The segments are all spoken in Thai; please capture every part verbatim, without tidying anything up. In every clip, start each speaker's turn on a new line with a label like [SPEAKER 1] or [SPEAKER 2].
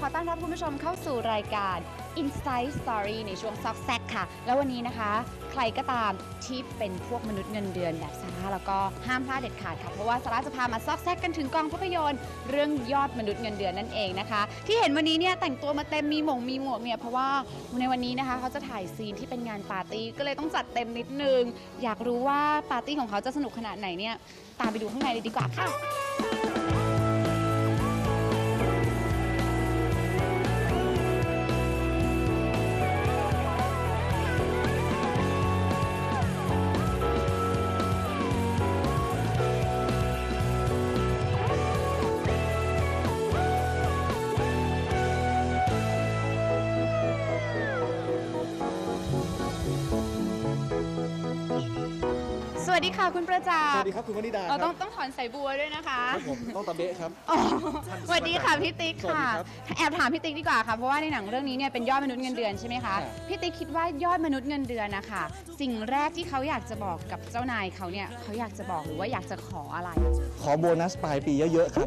[SPEAKER 1] ขอต้อนรับคุณผู้ชมเข้าสู่รายการ Inside Story ในช่วงซอกแซกค่ะแล้ววันนี้นะคะใครก็ตามที่เป็นพวกมนุษย์เงินเดือนแบบซาร่าแล้วก็ห้ามพลาดเด็ดขาดค่ะเพราะว่าซาร่าจะพามาซอกแซกกันถึงกองภาพยนตร์เรื่องยอดมนุษย์เงินเดือนนั่นเองนะคะที่เห็นวันนี้เนี่ยแต่งตัวมาเต็มมีหมงมีหมวกเนี่ยเพราะว่าในวันนี้นะคะเขาจะถ่ายซีนที่เป็นงานปาร์ตี้ก็เลยต้องจัดเต็มนิดนึงอยากรู้ว่าปาร์ตี้ของเขาจะสนุกขนาดไหนเนี่ยตามไปดูข้างในเลยดีกว่าค่ะสวัสดีค่ะคุณประจักษ์
[SPEAKER 2] สวัสดีครับคุณวนิดา
[SPEAKER 1] เราต้องต้องถอนสายบัวด้วยนะคะ
[SPEAKER 2] ครับผมต้องตะเบะครับ
[SPEAKER 1] สวัสดีค่ะพี่ติ๊กค่ะแอบถามพี่ติ๊กดีกว่าค่ะเพราะว่าในหนังเรื่องนี้เนี่ยเป็นยอดมนุษย์เงินเดือนใช่ไหมคะพี่ติ๊กคิดว่ายอดมนุษย์เงินเดือนนะคะสิ่งแรกที่เขาอยากจะบอกกับเจ้านายเขาเนี่ยเขาอยากจะบอกหรือว่าอยากจะขออะไร
[SPEAKER 2] ขอโบนัสปลายปีเยอะๆครับ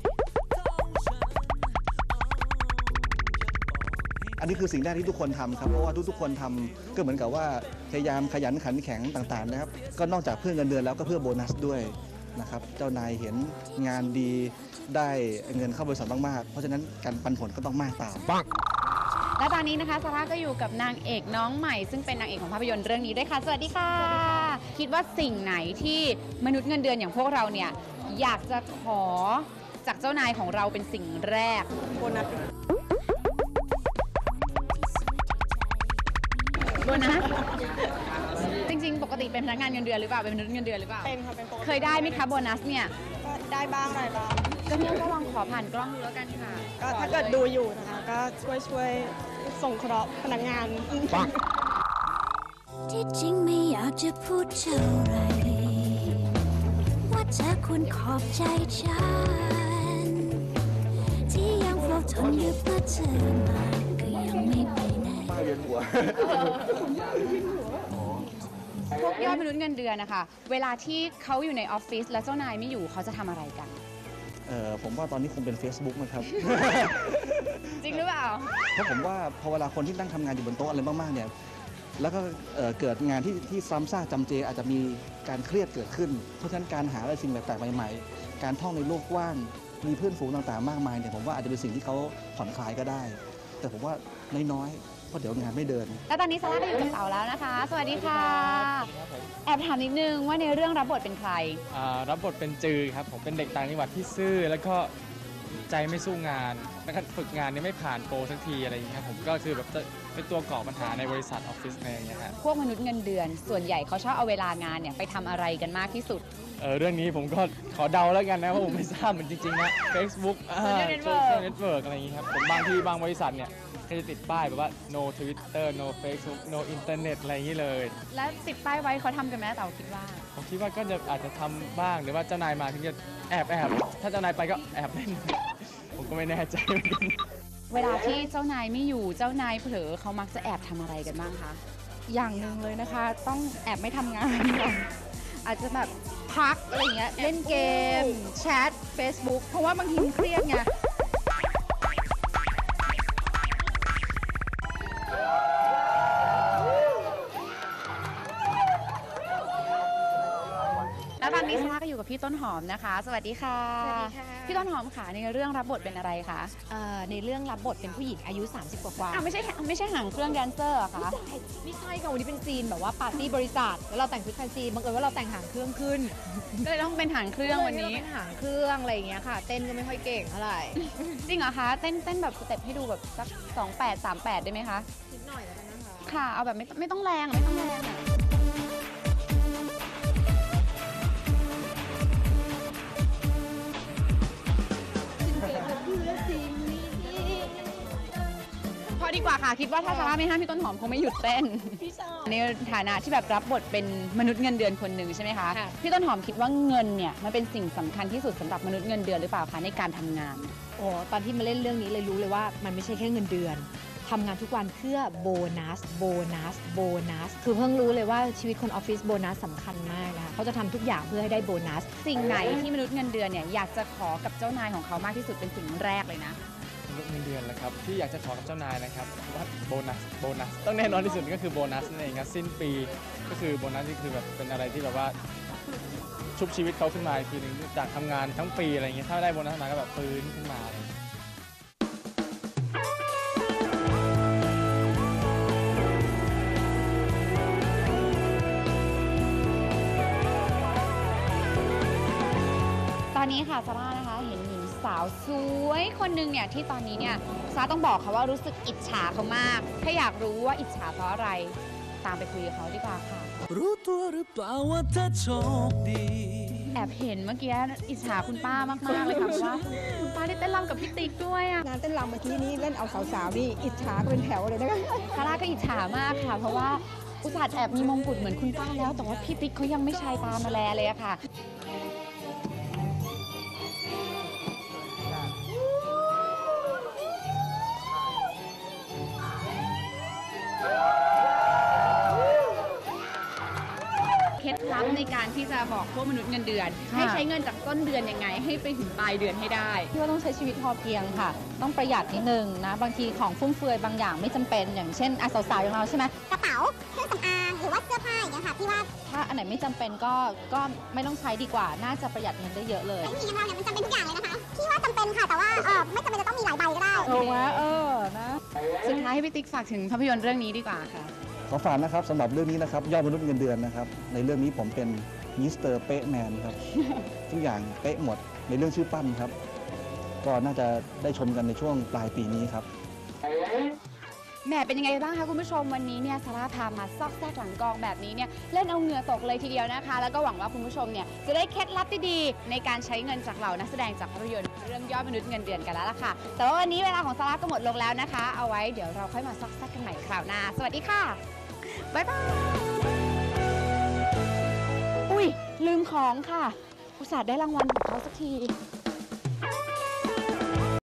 [SPEAKER 2] อันนี้คือสิ่งแรกที่ทุกคนทำครับเพราะว่าทุกๆคนทำก็เหมือนกับว่าพยายามขยันขันแข็งต่างๆนะครับก็นอกจากเพื่อเงินเดือนแล้วก็เพื่อโบนัสด้วยนะครับเจ้านายเห็นงานดีได้เงินเข้าบริษัทมากๆเพราะฉะนั้นการปันผลก็ต้องมากตาม
[SPEAKER 1] และตอนนี้นะคะซาร่าก็อยู่กับนางเอกน้องใหม่ซึ่งเป็นนางเอกของภาพยนตร์เรื่องนี้ด้วยค่ะสวัสดีค่ะคิดว่าสิ่งไหนที่มนุษย์เงินเดือนอย่างพวกเราเนี่ยอยากจะขอจากเจ้านายของเราเป็นสิ่งแรกโบนัสโบนัสจริงๆปกติเป็นพนักงานเงินเดือนหรือเปล่าเป็นมนุษย์เงินเดือนหรือเปล่า
[SPEAKER 3] เป็นค่ะเป็นปกติ
[SPEAKER 1] เคยได้ไหมคะโบนัสเนี่ย
[SPEAKER 3] ก็ได้บ้างอะไรบ้าง
[SPEAKER 1] ก็เนี่ยก็ลองขอผ่านกล้องดูแล้วกันค่ะ
[SPEAKER 3] ก็ถ้าเกิดดูอยู่นะคะก็ช่วยช่วยส่งเคราะห์พนักงาน
[SPEAKER 4] ที่จริงไม่อยากจะพูดเท่าไรว่าเธอควรขอบใจฉันที่ยังเฝ้าทนอยู่เพื่อเธอมาก็ยังไม่ไปไหน
[SPEAKER 2] ป้าเวียนหัว
[SPEAKER 1] พวกยอดมนุษย์เงินเดือนนะคะเวลาที่เขาอยู่ในออฟฟิศแล้วเจ้านายไม่อยู่เขาจะทำอะไรกัน
[SPEAKER 2] เออผมว่าตอนนี้คงเป็น Facebook นะครับ
[SPEAKER 1] จริงหรือเปล่า
[SPEAKER 2] เพราะผมว่าพอเวลาคนที่นั่งทำงานอยู่บนโต๊ะอะไรมากๆเนี่ยแล้วก็เกิดงานที่ที่ซ้ำซากจำเจอาจจะมีการเครียดเกิดขึ้นเพราะฉะนั้นการหาอะไรสิ่งแปลกๆใหม่ๆการท่องในโลกกว้างมีเพื่อนฝูงต่างๆมากมายเนี่ยผมว่าอาจจะเป็นสิ่งที่เขาผ่อนคลายก็ได้แต่ผมว่าน้อยๆเพราะเดี๋ยวงานไม่เดิน
[SPEAKER 1] แล้วตอนนี้ซาร่าก็อยู่กับเต๋าแล้วนะคะสวัสดีค่ะแอบถามนิดนึงว่าในเรื่องรับบทเป็นใคร
[SPEAKER 5] รับบทเป็นจือครับผมเป็นเด็กต่างจังหวัดที่ซื่อแล้วก็ใจไม่สู้งานแล้วก็ฝึกงานนี้ไม่ผ่านโปรสักทีอะไรอย่างนี้ครับผมก็คือแบบจะเป็นตัวก่อปัญหาในบริษัทออฟฟิศอะไรอย่างเงี้ยครับ
[SPEAKER 1] พวกมนุษย์เงินเดือนส่วนใหญ่เขาชอบเอาเวลางานเนี่ยไปทำอะไรกันมากที่สุด
[SPEAKER 5] เออเรื่องนี้ผมก็ขอเดาแล้วกันนะเพราะผมไม่ทราบเหมือนจริงๆนะ Facebook โซเชียลเน็ตเวิร์กอะไรอย่างนี้ครับผมบางที่บางบริษัทเนี่ยก็จะติดป้ายแบบว่า no Twitter no Facebook no Internet อะไรอย่างนี้เลย
[SPEAKER 1] แล้วติดป้ายไว้เขาทำกันไหมเต๋าคิดว่า
[SPEAKER 5] ผมคิดว่าก็จะอาจจะทำบ้างหรือว่าเจ้านายมาถึงจะแอบแอบถ้าเจ้านายไปก็แอบเล่นผมก็ไม่แน่ใจเหมือนกัน
[SPEAKER 1] เวลาที่เจ้านายไม่อยู่เจ้านายเผลอเขามักจะแอบทำอะไรกันบ้างคะ
[SPEAKER 3] อย่างหนึ่งเลยนะคะต้องแอบไม่ทำงานก่อนอาจจะแบบพักอะไรเงี้ยเล่นเกมแชท Facebook เพราะว่าบางทีเครียดไง
[SPEAKER 1] แล้วตอนนี้ซาร่าก็อยู่กับพี่ต้นหอมนะคะสวัสดีค่ะ
[SPEAKER 6] สวัสดีค่ะ
[SPEAKER 1] พี่ต้นหอมค่ะในเรื่องรับบทเป็นอะไรคะ
[SPEAKER 6] ในเรื่องรับบทเป็นผู้หญิงอายุสามสิบกว่า
[SPEAKER 1] ๆไม่ใช่ไม่ใช่หางเครื่องแดนเซอร์อะคะ
[SPEAKER 6] ไม่ใช่ค่ะวันนี้เป็นซีนแบบว่าปาร์ตี้บริษัทแล้วเราแต่งชุดแฟนซีบังเอิญว่าเราแต่งหางเครื่องขึ้น
[SPEAKER 1] ก็เลยต้องเป็นหางเครื่องวันนี้
[SPEAKER 6] เป็นหางเครื่องอะไรอย่างเงี้ยค่ะเต้นก็ไม่ค่อยเก่งเท่าไหร่
[SPEAKER 1] จริงเหรอคะเต้นเต้นแบบสเต็ปให้ดูแบบสักสองแปดสามแปดได้ไหมคะ
[SPEAKER 6] นิดหน่อยแล้วกันนะคะ
[SPEAKER 1] ค่ะเอาแบบไม่ไม่ต้องแรงไม่ต้องแรงอะพอดีกว่าค่ะคิดว่าถ้าซาร่าไม่ห้ามพี่ต้นหอมคงไม่หยุดเต้นในฐานะที่แบบรับบทเป็นมนุษย์เงินเดือนคนหนึ่งใช่ไหมคะพี่ต้นหอมคิดว่าเงินเนี่ยมันเป็นสิ่งสำคัญที่สุดสำหรับมนุษย์เงินเดือนหรือเปล่าคะในการทำงาน
[SPEAKER 6] โอ้ตอนที่มาเล่นเรื่องนี้เลยรู้เลยว่ามันไม่ใช่แค่เงินเดือนทำงานทุกวันเพื่อโบนัสโบนัสโบนัสคือเพิ่งรู้เลยว่าชีวิตคนออฟฟิศโบนัสสำคัญมากนะคะเขาจะทำทุกอย่างเพื่อให้ได้โบนัส
[SPEAKER 1] สิ่งไหนที่มนุษย์เงินเดือนเนี่ยอยากจะขอกับเจ้านายของเขามากที่สุดเป็นสิ่งแรกเลยนะ
[SPEAKER 5] อืนุษย์เงินเดือนแหละครับที่อยากจะขอกับเจ้านายนะครับว่าโบนัสโบนัสต้องแน่นอนที่สุดก็คือโบนัสนั่นเองครับสิ้นปีก็คือโบนัสนี่คือแบบเป็นอะไรที่แบบว่าชุบชีวิตเขาขึ้นมาอีกทีหนึงจากทำงานทั้งปีอะไรอย่างเงี้ยถ้าได้โบนัสมาก็แบบฟื้นขึ้นมาอะไรอย่างเงี้ย
[SPEAKER 1] ตอนนี้ค่ะซาร่านะคะเห็นหญิงสาวสวยคนหนึ่งเนี่ยที่ตอนนี้เนี่ยซาร่าต้องบอกค่ะว่ารู้สึกอิจฉาเขามาก ถ้าอยากรู้ว่าอิจฉาเพราะอะไรตามไปคุยกับเขาดีกว่าค่ะ
[SPEAKER 7] รู้ตัวหรือเปล่าว่าเธอโชคดี
[SPEAKER 1] แอบเห็นเมื่อกี้อิจฉาคุณป้ามากๆเลยค่ะเพราะว่าคุณป้าได้เต้นรำกับพี่ติ๊กด้วยอะ
[SPEAKER 3] งานเต้นรำเมื่อกี้นี้เล่นเอาสาวๆนี่อิจฉาก็เป็นแถวเลยนะคะ
[SPEAKER 1] ซาร่าก็อิจฉามากค่ะ เพราะว่าอุตส่าห์แอบมีมงกุฎเหมือนคุณป้าแล้ว แต่ว่าพี่ติ๊กเขายังไม่ชายตามาแลเลยอะค่ะ เคล็ดลับในการที่จะบอกพวกมนุษย์เงินเดือน ให้ใช้เงินจากต้นเดือนยังไง ให้ไปถึงปลายเดือนให้ได้
[SPEAKER 3] ที่ว่าต้องใช้ชีวิตพอเพียงค่ะ ต้องประหยัดนิดนึงนะ บางทีของฟุ่มเฟือยบางอย่างไม่จำเป็น อย่างเช่นอ่ะสาวๆอย่างเราใช่ไหม
[SPEAKER 8] กระเป๋า เครื่องสำอาง หรือว่าเสื้อผ้าอย่างเงี้ยค่ะพี่ว่า
[SPEAKER 3] ถ้าอันไหนไม่จำเป็นก็ก็ไม่ต้องใช้ดีกว่า น่าจะประหยัดเงินได้เยอะเลย
[SPEAKER 8] ไม่มีอย่างเราเนี่ยมันจำเป็นทุกอย่างเลยนะคะพี่ว่าจำเป็นค่ะ แต่ว่าเออไม่จำเป็นจะต้องมีหลายใบก็ได้
[SPEAKER 3] ถูกไหมเออนะ
[SPEAKER 1] สุดท้ายให้พี่ติ๊กฝากถึงภาพยนตร์เรื่องนี้ดีกว่าค่ะ
[SPEAKER 2] ขอฝากนะครับสำหรับเรื่องนี้นะครับยอดมนุษย์เงินเดือนนะครับในเรื่องนี้ผมเป็นมิสเตอร์เป๊ะแมนครับ ทุกอย่างเป๊ะหมดในเรื่องชื่อปั้นครับ ก็น่าจะได้ชมกันในช่วงปลายปีนี้ครับ
[SPEAKER 1] แหมเป็นยังไงบ้างคะคุณผู้ชมวันนี้เนี่ยซาร่าพามาซอกแซกหลังกองแบบนี้เนี่ยเล่นเอาเหงื่อตกเลยทีเดียวนะคะ แล้วก็หวังว่าคุณผู้ชมเนี่ยจะได้เคล็ดลับดีๆในการใช้เงินจากเหล่านักแสดงจากภาพยนตร์เรื่องยอดมนุษย์เงินเดือนกันแล้วล่ะค่ะ แต่ว่าวันนี้เวลาของซาร่าก็หมดลงแล้วนะคะ เอาไว้เดี๋ยวเราค่อยมาซอกแซกกันใหม่คราวหน้าสวัสดีค่ะบ๊ายบายอุ้ยลืมของค่ะอุตส่าห์ได้รางวัลของเขาสักที